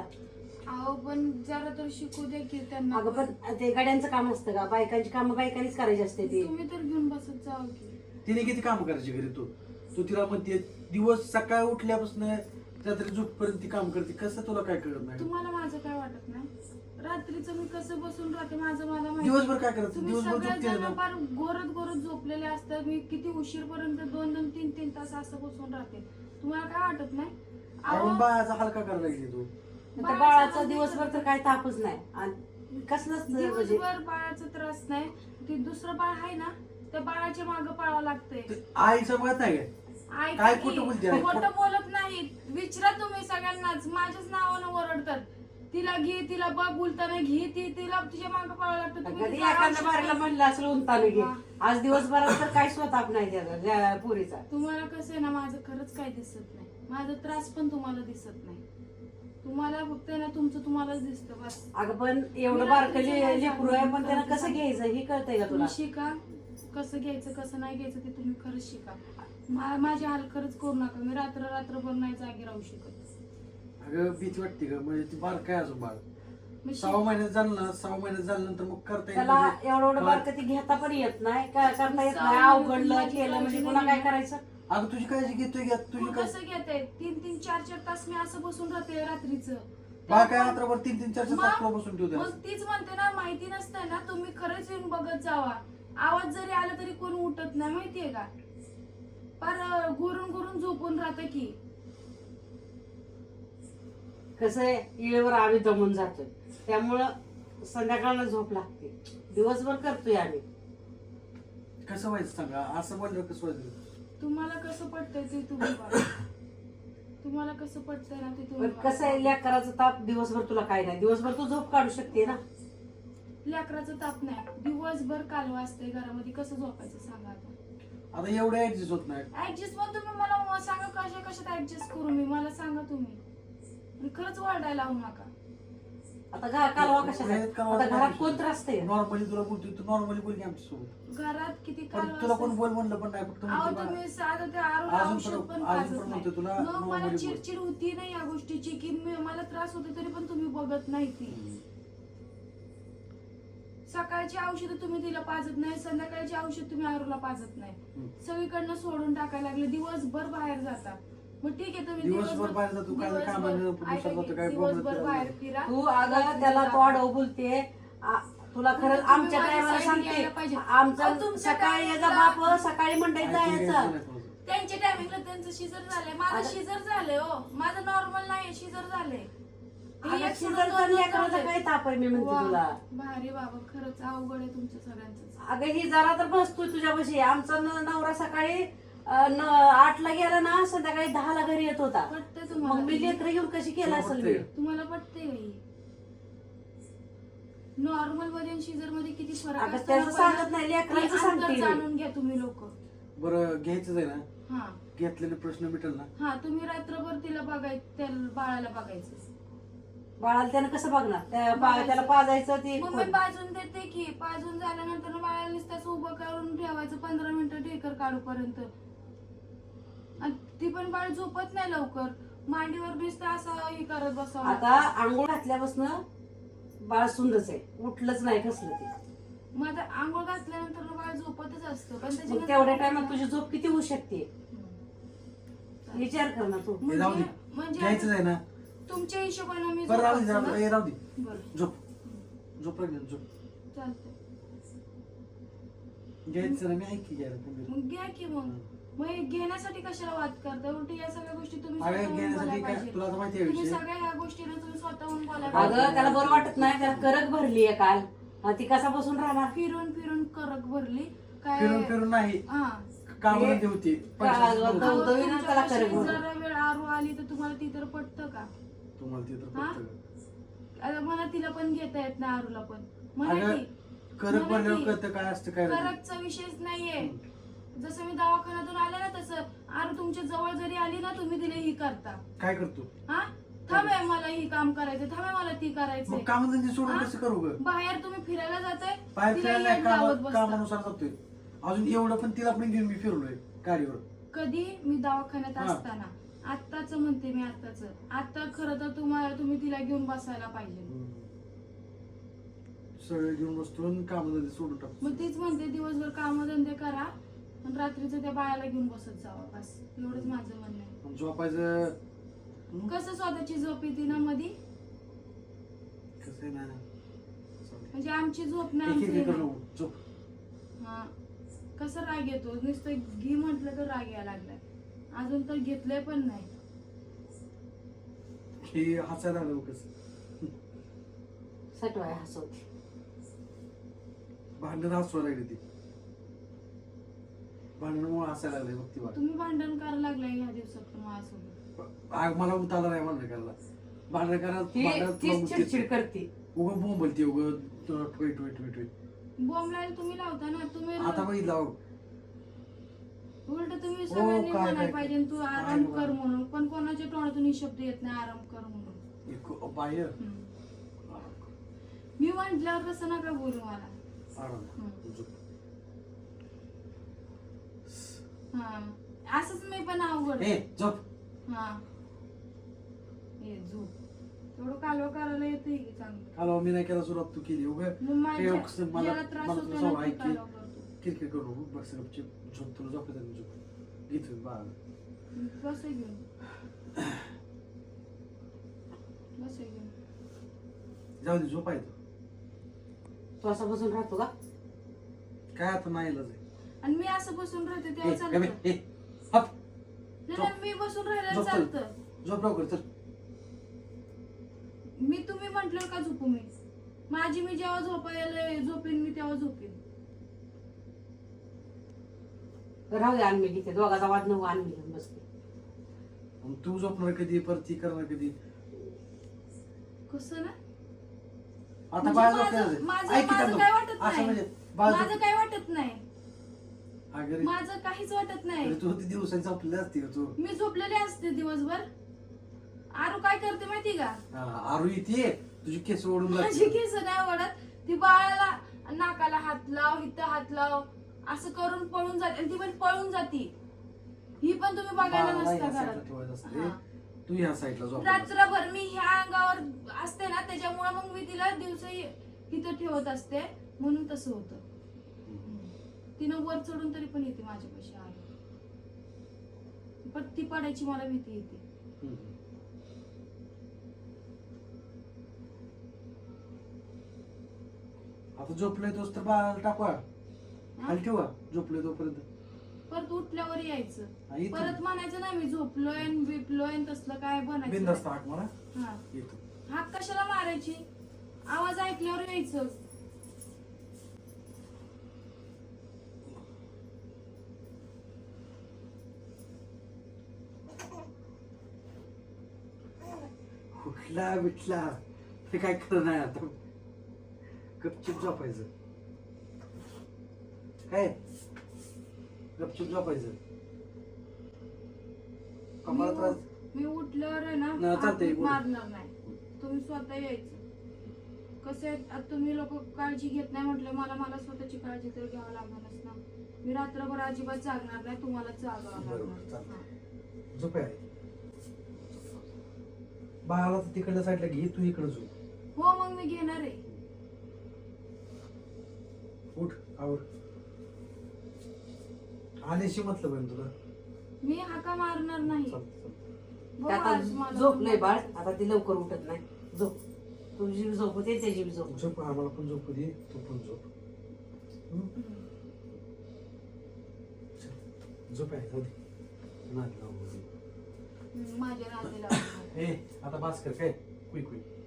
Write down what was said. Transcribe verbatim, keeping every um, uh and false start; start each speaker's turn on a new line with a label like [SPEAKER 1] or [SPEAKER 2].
[SPEAKER 1] मला.
[SPEAKER 2] अहो पण जरा तर शिकू दे की त्यांना.
[SPEAKER 1] अगं पण ते गाड्यांचं काम असतं का? बायकांची कामं बायकांनीच करायची असते ती.
[SPEAKER 2] तुम्ही तर घेऊन बसत जाऊ की.
[SPEAKER 3] तिने किती काम करायची घरी तू तू तिला म्हणते दिवस सकाळी उठल्यापासून रात्री झोपपर्यंत ती काम करते. कसं तुला काय कळत नाही?
[SPEAKER 2] तुम्हाला माझं काय वाटत नाही? रात्रीचं मी कसं बसून राहते माझं मला माहिती.
[SPEAKER 3] दिवसभर काय करायचं?
[SPEAKER 2] तुम्ही
[SPEAKER 3] दिवसभर झोपते
[SPEAKER 2] सगळेजण
[SPEAKER 3] ना.
[SPEAKER 2] फार गोरत गोरत झोपलेले असतात. मी किती उशीरपर्यंत दोन दोन तीन तीन तास असं बसून राहते. तुम्हाला काय वाटत नाही? अहो,
[SPEAKER 3] आपण बाळाचा हलका करायला लागली तू.
[SPEAKER 1] त्या बाळाचा दिवसभर तर काही तापच नाही आणि कसलंच म्हणजे
[SPEAKER 2] दिवसभर बाळाचा त्रास नाही. ते दुसरं बाळ आहे ना त्या बाळाच्या मागं पळावं लागतंय.
[SPEAKER 3] ते आईचं मत नाही काय?
[SPEAKER 2] ऐका
[SPEAKER 3] काय
[SPEAKER 2] की,
[SPEAKER 3] खोटं बोलते आई?
[SPEAKER 2] खोटं बोलत नाही. विचारा तुम्ही सगळ्यांनाच. माझ्याच नावानं ओरडतात. तिला घे तिला बघ बोलताना घे ती तिला तुझ्या मागं पळावं लागतं. तुम्ही
[SPEAKER 1] कधी
[SPEAKER 2] तिला
[SPEAKER 1] एखाद्या
[SPEAKER 2] औषध
[SPEAKER 1] बारीला
[SPEAKER 2] नाही.
[SPEAKER 1] म्हणलं असलं उंताने घे. आज दिवसभरात तर काही स्वताप नाही त्याचा त्या पुरीचा.
[SPEAKER 2] तुम्हाला कसं आहे ना माझं खरंच काही दिसत नाही. माझा त्रास पण तुम्हाला दिसत नाही. तुम्हाला फक्त आहे ना तुमचं तुम्हालाच दिसतं बस.
[SPEAKER 1] अगं पण एवढं बारकं लेकरू आहे पण त्याला कसं घ्यायचं हे कळतंय का तुला?
[SPEAKER 2] तुम्ही शिका कसं घ्यायचं कसं नाही घ्यायचं ते तुम्ही खरंच शिका. मा- माझी हाल खरंच करू नका. मी रात्र रात्रभर नाही जागी राहू शकत.
[SPEAKER 3] अगं भीती वाटते का? म्हणजे ती बाळ काय अजून बाळ
[SPEAKER 2] मी
[SPEAKER 3] सहा
[SPEAKER 2] शिक-
[SPEAKER 3] महिन्यात झालं ना सहा महिन्यात झाल्यानंतर मग करता
[SPEAKER 1] त्याला
[SPEAKER 3] म्हणजे-
[SPEAKER 1] एवढं एवढं बारकं ती घेता पण येत नाही काय करता येत नाही. अवघडलं केलं म्हणजे पुन्हा काय करायचं?
[SPEAKER 3] अगं तुझी काळजी घेतोय घ्या तुझी
[SPEAKER 2] मग
[SPEAKER 3] काय
[SPEAKER 2] कसं घेते तीन तीन चार चार तास मी असं बसून राहते रात्रीचं.
[SPEAKER 3] बाळ काय रात्रभर तीन तीन चार चार तास तुला बसून ठेवते.
[SPEAKER 2] मग तीच म्हणते ना माहिती नसतं ना तुम्ही खरंच येऊन बघत जावा. आवाज जरी आला तरी कोण उठत नाही माहितीये का? पर घुरून घुरून झोपून राहतं की.
[SPEAKER 1] कसं आहे येळेवर आम्ही दमून जातोय त्यामुळं संध्याकाळला झोप लागते. दिवसभर करतोय आम्ही.
[SPEAKER 3] कसं व्हायचं सांगा? असं बोललं कसं व्हायचं?
[SPEAKER 2] तुम्हाला कसं पटतंय ते तुम्ही बघा. तुम्हाला कसं पटतंय ना ते तुम्ही
[SPEAKER 1] पण कसं आहे लेकराचा ताप दिवसभर तुला काय नाही. दिवसभर तू झोप काढू शकते ना.
[SPEAKER 2] लेकराचं ताप नाही. दिवसभर कालवा असते घरामध्ये कसं झोपायचं सांगा आता.
[SPEAKER 3] आता एवढं ऍडजस्ट होत नाही.
[SPEAKER 2] ऍडजस्ट पण तुम्ही मला सांगा कशा कशात ऍडजस्ट करू मी मला सांगा तुम्ही. आणि खरंच वाढायला लावू नका.
[SPEAKER 1] आता घरा कालवा कशाला? आता घरात कोण त्रास आहे?
[SPEAKER 3] नॉर्मली तुला बोलतोय तू नॉर्मली बोल की आमच्या सोबत.
[SPEAKER 2] घरात किती
[SPEAKER 3] पण
[SPEAKER 2] कालवा
[SPEAKER 3] तुला कोण
[SPEAKER 2] असते.
[SPEAKER 3] बोल म्हणलं पण नाही फक्त
[SPEAKER 2] अहो
[SPEAKER 3] म्हणते बा-
[SPEAKER 2] तुम्ही साधं ते आरोग्य
[SPEAKER 3] अजून
[SPEAKER 2] औषध
[SPEAKER 3] पण-
[SPEAKER 2] पण
[SPEAKER 3] अजून
[SPEAKER 2] पाजत
[SPEAKER 3] पण
[SPEAKER 2] नाही.
[SPEAKER 3] म्हणते तुला
[SPEAKER 2] मग मला
[SPEAKER 3] normally बोल.
[SPEAKER 2] चिडचिड होती नाही या गोष्टीची की मी- मला त्रास होते तरी पण तुम्ही बघत नाही ती. सकाळची औषध तुम्ही तिला पाजत नाही. संध्याकाळची औषध तुम्ही आरूला पाजत नाही.
[SPEAKER 3] हम्म.
[SPEAKER 2] सगळीकडनं सोडून टाकायला लागले. दिवसभर बाहेर जाता. मग ठीक आहे तुम्ही
[SPEAKER 3] दिवसभर बाहेर जातो, काय
[SPEAKER 2] दिवसभर-
[SPEAKER 3] कामानं,
[SPEAKER 2] ऐका
[SPEAKER 3] पुरुषात
[SPEAKER 2] की,
[SPEAKER 3] जातो, काय
[SPEAKER 2] दिवसभर
[SPEAKER 3] बोलणं
[SPEAKER 2] बाहेर फिरा.
[SPEAKER 1] तू अगं त्याला तो आडव बोलते. आ- तुला खरंच
[SPEAKER 2] तुम्ही
[SPEAKER 1] आमच्या
[SPEAKER 2] माझी
[SPEAKER 1] टायमाला
[SPEAKER 2] side
[SPEAKER 1] सांगते
[SPEAKER 2] घ्यायला पाहिजे. अहो,
[SPEAKER 1] आमचं
[SPEAKER 2] तुमच्या
[SPEAKER 1] सकाळी याचा
[SPEAKER 2] टायमाला-
[SPEAKER 1] बाप सकाळी मंडईत
[SPEAKER 3] ऐकून घ्यायचं
[SPEAKER 1] जायचं.
[SPEAKER 3] नाही थोडंसं.
[SPEAKER 2] त्यांच्या टायमिंगला त्यांचं शिजर झालंय. माझं
[SPEAKER 1] आता-
[SPEAKER 2] शिजर झालंय हो. माझं नॉर्मल नाही शिजर झालंय. हे
[SPEAKER 1] अगं
[SPEAKER 2] एक सोडून
[SPEAKER 1] शिजरचा
[SPEAKER 2] दोन
[SPEAKER 1] लेकराचा
[SPEAKER 2] झालंय.
[SPEAKER 1] काय ताप आहे मी म्हणते
[SPEAKER 2] वा,
[SPEAKER 1] तुला.
[SPEAKER 2] भारी बाबा खरंच अवघड आहे तुमचं सगळ्यांचं.
[SPEAKER 1] अगं ही जरा तर बसतोय तुझ्यापाशी. आमचा न- नवरा सकाळी अं, न- आठला गेला ना संध्याकाळी दहाला घरी येत होता.
[SPEAKER 2] पटतंय
[SPEAKER 1] मग
[SPEAKER 2] तुम्हाला?
[SPEAKER 1] मी लेकर घेऊन कशी केला असेल मी?
[SPEAKER 2] तुम्हाला पटतंय का ही? नॉर्मल मध्ये आणि शिजर मध्ये किती फरक
[SPEAKER 1] अगं
[SPEAKER 2] असतो
[SPEAKER 1] त्याचं
[SPEAKER 2] ना
[SPEAKER 1] सांगत नाही,
[SPEAKER 2] पहिला?
[SPEAKER 1] लेकरांचं
[SPEAKER 2] ते अंतर
[SPEAKER 1] सांगते मी.
[SPEAKER 2] जाणून घ्या तुम्ही लोक.
[SPEAKER 3] बरं घ्यायचंच आहे ना?
[SPEAKER 2] हा
[SPEAKER 3] घेतलेले प्रश्न मिटेल ना?
[SPEAKER 2] हा तुम्ही रात्रभर तिला बघायचं त्या बाळाला बघायचं.
[SPEAKER 1] बाळाला त्यानं कसं बघणार? त्या पा- त्याला पाजायचं ती
[SPEAKER 2] मग मी पाजून देते की पाजून झाल्यानंतर बाळाला नुसतं उभं करून ठेवायचं पंधरा मिनिटं ढेकर काढूपर्यंत. आणि ती पण बाळ झोपत नाही लवकर. मांडीवर नुसतं असं हे करत बसावं
[SPEAKER 1] आता
[SPEAKER 2] लागतं.
[SPEAKER 1] आंघोळ घातल्यापासून बाळ सुंदच आहे. उठलंच नाही कसलं ते.
[SPEAKER 2] मग आता आंघोळ घातल्यानंतर बाळ झोपतच असतं पण
[SPEAKER 1] मग
[SPEAKER 2] त्याच्यानंतर-
[SPEAKER 1] तेवढ्या टायमात तुझी झोप किती होऊ शकते?
[SPEAKER 2] हम्म.
[SPEAKER 1] विचार कर ना तू.
[SPEAKER 3] हे राहू दे.
[SPEAKER 2] म्हणजे म्हणजे
[SPEAKER 3] घ्यायचंच आहे ना?
[SPEAKER 2] तुमच्या हिशोबाने मी
[SPEAKER 3] बरं राहू दे
[SPEAKER 2] झोपायचं
[SPEAKER 3] राहू
[SPEAKER 2] ना?
[SPEAKER 3] दे, राहू दे.
[SPEAKER 2] बरं
[SPEAKER 3] झोप झोप लागली ना, झोप.
[SPEAKER 2] चालतंय.
[SPEAKER 3] घ्यायचं ना मी ऐकी घ्यायला तुम्ही.
[SPEAKER 2] मग घ्या की मग मग हे घेण्यासाठी कशाला वाद करता? उलटी या सगळ्या गोष्टी तुम्ही
[SPEAKER 3] अगं
[SPEAKER 2] स्वतःहून
[SPEAKER 3] घेण्यासाठी
[SPEAKER 2] बोलायला
[SPEAKER 3] काय
[SPEAKER 2] पाहिजे.
[SPEAKER 3] तुला तर माहिती आहे
[SPEAKER 2] तुम्ही
[SPEAKER 3] विषय.
[SPEAKER 2] सगळ्या ह्या गोष्टींना तुम्ही स्वतःहून बोलायला
[SPEAKER 1] अगं
[SPEAKER 2] पाहिजे.
[SPEAKER 1] त्याला बरं वाटत नाही. त्याला करक भरली आहे काल. हा, ती कसा बसून राहणार?
[SPEAKER 2] फिरून फिरून करक भरली काय
[SPEAKER 3] फिरून फिरून नाही
[SPEAKER 2] हा
[SPEAKER 3] काम
[SPEAKER 1] हे-
[SPEAKER 3] होती
[SPEAKER 1] का-
[SPEAKER 3] पैशाची
[SPEAKER 1] दव-
[SPEAKER 3] नव्हती.
[SPEAKER 1] दव- दवीनं त्याला
[SPEAKER 2] तुमच्यापाशी
[SPEAKER 1] करक भरली.
[SPEAKER 2] जरा वेळ आरू आली तर तुम्हाला ती तर पटतं का?
[SPEAKER 3] तुम्हाला ते तर
[SPEAKER 2] हा?
[SPEAKER 3] पटतं का?
[SPEAKER 2] आता मला तिला पण घेता येत नाही आरूला पण म्हणा
[SPEAKER 3] अगं,
[SPEAKER 2] की
[SPEAKER 3] करक
[SPEAKER 2] म्हणा
[SPEAKER 3] भरल्यावर
[SPEAKER 2] की,
[SPEAKER 3] कळतं काय असतं काय नाही.
[SPEAKER 2] करकचा विषयच नाहीये. जसं मी दवाखान्यातून आले ना तसं आरू तुमच्या जवळ जरी आली ना तुम्ही तिला ही करता.
[SPEAKER 3] काय करतो?
[SPEAKER 2] हा थांबे मला ही काम करायचं थांबे मला ती करायचंय.
[SPEAKER 3] मग काम धंदे सोडून
[SPEAKER 2] हा?
[SPEAKER 3] कसं करू ग?
[SPEAKER 2] बाहेर तुम्ही फिरायला जाताय
[SPEAKER 3] बाहेर
[SPEAKER 2] तिला
[SPEAKER 3] फिरायला
[SPEAKER 2] येऊन लावत
[SPEAKER 3] काम
[SPEAKER 2] बसता.
[SPEAKER 3] कामानुसार जातोय. अजून एवढं पण तिला पण घेऊन मी फिरलोय गाडीवर.
[SPEAKER 2] कधी मी दवाखान्यात
[SPEAKER 3] हा.
[SPEAKER 2] असताना आत्ताच म्हणते मी आत्ताच आता खरं तर तुम्हाला तुम्ही तिला घेऊन बसायला पाहिजे.
[SPEAKER 3] सगळं घेऊन बसतो आणि कामधंदे सोडून टाकतो.
[SPEAKER 2] मग तीच म्हणते दिवसभर कामधंदे करा आणि रात्रीचं त्या बाळाला घेऊन बसत जावा बस एवढंच माझं म्हणणं आहे.
[SPEAKER 3] आणि झोपायचं
[SPEAKER 2] कसं स्वतःची झोप येते ना मधी
[SPEAKER 3] कसं आहे ना,
[SPEAKER 2] म्हणजे आमची झोप नाही
[SPEAKER 3] एक एक
[SPEAKER 2] आमचं
[SPEAKER 3] एक
[SPEAKER 2] हे
[SPEAKER 3] करून
[SPEAKER 2] नाही.
[SPEAKER 3] झोप.
[SPEAKER 2] हा कसं राग येतो नुसतं घे म्हटलं तर राग यायला लागलाय अजून तर घेतलंय पण नाही.
[SPEAKER 3] हे हसायला लागलं कसं
[SPEAKER 1] सटवाय हसवते.
[SPEAKER 3] भांडण हसवा लागली ती, भांडणामुळे हसायला लागले बघ ती बाळ.
[SPEAKER 2] तुम्ही भांडण करायला लागलाय ह्या दिवसात पण माझ्यासोबत.
[SPEAKER 3] आग मला उतारला नाही भांडण करायला. भांडण करायला
[SPEAKER 1] ती
[SPEAKER 3] भांडणात तुला
[SPEAKER 1] तीच चिडचिड
[SPEAKER 3] मुतीच.
[SPEAKER 1] करते.
[SPEAKER 3] उगं बोंबलती उगं टोय टोय टोय टोय.
[SPEAKER 2] बॉम्बलायला तुम्ही लावता ना तुम्ही
[SPEAKER 3] आता बघितलं अहो.
[SPEAKER 2] उलट तुम्ही
[SPEAKER 3] हो,
[SPEAKER 2] सगळ्यांनी
[SPEAKER 3] काय-
[SPEAKER 2] म्हणायला
[SPEAKER 3] काय-
[SPEAKER 2] पाहिजे तू आराम
[SPEAKER 3] काय
[SPEAKER 2] कर
[SPEAKER 3] बरं.
[SPEAKER 2] म्हणून पण कोणाच्या तोंडातून ही शब्द येत नाही आराम कर म्हणून.
[SPEAKER 3] एक बाहेर
[SPEAKER 2] हम्म. मी म्हटल्यावर तसं नका बोलू मला.
[SPEAKER 3] आराम
[SPEAKER 2] हम्म.
[SPEAKER 3] झोप.
[SPEAKER 2] हा असंच मी पण अवघड
[SPEAKER 3] ए झोप.
[SPEAKER 2] हा ए झोप तेवढं कालवा करायला येते की चांगलं.
[SPEAKER 3] काल मी नाही केला सुरुवात तू केली उगं
[SPEAKER 2] मग माझ्या-
[SPEAKER 3] हे कसं मला-
[SPEAKER 2] ज्याला त्रास
[SPEAKER 3] मला
[SPEAKER 2] होतो
[SPEAKER 3] तुझं
[SPEAKER 2] ना
[SPEAKER 3] सवय
[SPEAKER 2] ते
[SPEAKER 3] की-
[SPEAKER 2] कालवा करतो.
[SPEAKER 3] किरकिर करू नको. बस गपचूप झोप. तुला झोपत आहे ना, झोप. घेतो बाळा.
[SPEAKER 2] बस हे घेऊन बस हे घेऊन
[SPEAKER 3] जाऊ दे झोप आहे तू.
[SPEAKER 1] तू असा बसून राहतो का?
[SPEAKER 3] काय आता नाही इलाज आहे.
[SPEAKER 2] आणि मी असं बसून राहते
[SPEAKER 3] ए,
[SPEAKER 2] तेव्हा
[SPEAKER 3] ए,
[SPEAKER 2] चालतं.
[SPEAKER 3] ए, हप.
[SPEAKER 2] नाही, नाही, मी बसून राहिलं
[SPEAKER 3] झोप चल.
[SPEAKER 2] चालतं.
[SPEAKER 3] झोप लवकर चल.
[SPEAKER 2] मी तुम्ही म्हटलं का झोपू मी माझी मी जेव्हा झोपायला झोपेन मी तेव्हा झोपेन.
[SPEAKER 1] राहू दे आणमी घेते दोघाचा वाद नको आणमी घेऊन बसते.
[SPEAKER 3] मग तू झोपणार कधी परत ती करणार कधी.
[SPEAKER 2] कसं ना
[SPEAKER 3] आता
[SPEAKER 2] म्हणजे
[SPEAKER 3] बाळ
[SPEAKER 2] माझं-
[SPEAKER 3] झोपणार
[SPEAKER 2] माझं-
[SPEAKER 3] ऐक की
[SPEAKER 2] माझं
[SPEAKER 3] त्यानं.
[SPEAKER 2] काय वाटत
[SPEAKER 3] असं
[SPEAKER 2] नाही.
[SPEAKER 3] म्हणजे बाळ
[SPEAKER 2] माझं
[SPEAKER 3] झोप-
[SPEAKER 2] काय वाटत नाही
[SPEAKER 3] अगं
[SPEAKER 2] माझं काहीच वाटत नाही.
[SPEAKER 3] अरे तू ती दिवसांनी झोपलेली असते तू.
[SPEAKER 2] मी झोपलेले असते दिवसभर. आरू काय करते माहिती का
[SPEAKER 3] हा, आरू येते तुझी केस ओढून
[SPEAKER 2] माझी
[SPEAKER 3] जाते.
[SPEAKER 2] केस नाही ओढत ती बाळाला नाकाला हात लाव इथं हात लाव असं करून पळून जाते आणि ती पण पळून जाती. ही पण तुम्ही बघायला
[SPEAKER 3] बाळाला
[SPEAKER 2] नसता
[SPEAKER 3] ह्या साईडला
[SPEAKER 2] घरात.
[SPEAKER 3] ठेवायचं असते.
[SPEAKER 2] हा.
[SPEAKER 3] तू ह्या साईडला झोप.
[SPEAKER 2] रात्रभर मी ह्या अंगावर असते ना त्याच्यामुळे मग मी तिला दिवस इथं ठेवत असते म्हणून तसं होतं. तिनं वर चढून तरी पण येते माझ्यापाशी आहे पण ती पडायची मला भीती येते.
[SPEAKER 3] आता झोपलोय तोच तर बाळाला टाकवा खाली ठेवा झोपलोय तोपर्यंत.
[SPEAKER 2] परत उठल्यावर यायचं
[SPEAKER 3] हा, येतो.
[SPEAKER 2] परत म्हणायचं नाही मी झोपलोय आणि बिपलोय आणि तसलं काय बनायचं
[SPEAKER 3] बिनधास्त
[SPEAKER 2] नाही.
[SPEAKER 3] हाक मला
[SPEAKER 2] हा
[SPEAKER 3] येतो.
[SPEAKER 2] हात कशाला मारायची आवाज ऐकल्यावर यायचं.
[SPEAKER 3] उठला बिटला ते काय खरं नाही आता. गपचूप झोपायचं काय गपचूप झोपायचं. आम्हाला त्रास
[SPEAKER 2] मी उठल्यावर आहे ना
[SPEAKER 3] नाही, चालतंय,
[SPEAKER 2] हात
[SPEAKER 3] बोल.
[SPEAKER 2] मारणार नाही. तुम्ही स्वतः यायचं. कसं आहे, आता तुम्ही लोक काळजी घेत नाही म्हटलं मला मला स्वतःची काळजी तर घ्यावं लागणारच ना. मी रात्रभर अजिबात जागणार नाही तुम्हाला जागावं
[SPEAKER 3] बरोबर,
[SPEAKER 2] लागणार.
[SPEAKER 3] चालतंय.
[SPEAKER 2] हा.
[SPEAKER 3] झोप आहे. बाळाला तर तिकडल्या साईडला घे तू इकडे झोप.
[SPEAKER 2] हो मग मी घेणार आहे.
[SPEAKER 3] उठ आवर. आल्याशी मतलब आहे ना तुला.
[SPEAKER 2] मी हाका मारणार नाही.
[SPEAKER 3] चल, चल.
[SPEAKER 2] हो,
[SPEAKER 1] ते
[SPEAKER 2] आज मला
[SPEAKER 1] आता झोपलंय
[SPEAKER 2] पण-
[SPEAKER 1] बाळ आता ती लवकर उठत नाही. झोप तुझी बी झोप होते त्याची बी झोप होते.
[SPEAKER 3] झोप आम्हाला पण झोप दे तू पण झोप. हं?
[SPEAKER 2] हम्म.
[SPEAKER 3] चल, झोप आहे जाऊ दे. नाही, जाऊ दे.
[SPEAKER 2] माझ्या नातीला
[SPEAKER 3] ए आता बास कर काय कुई कुई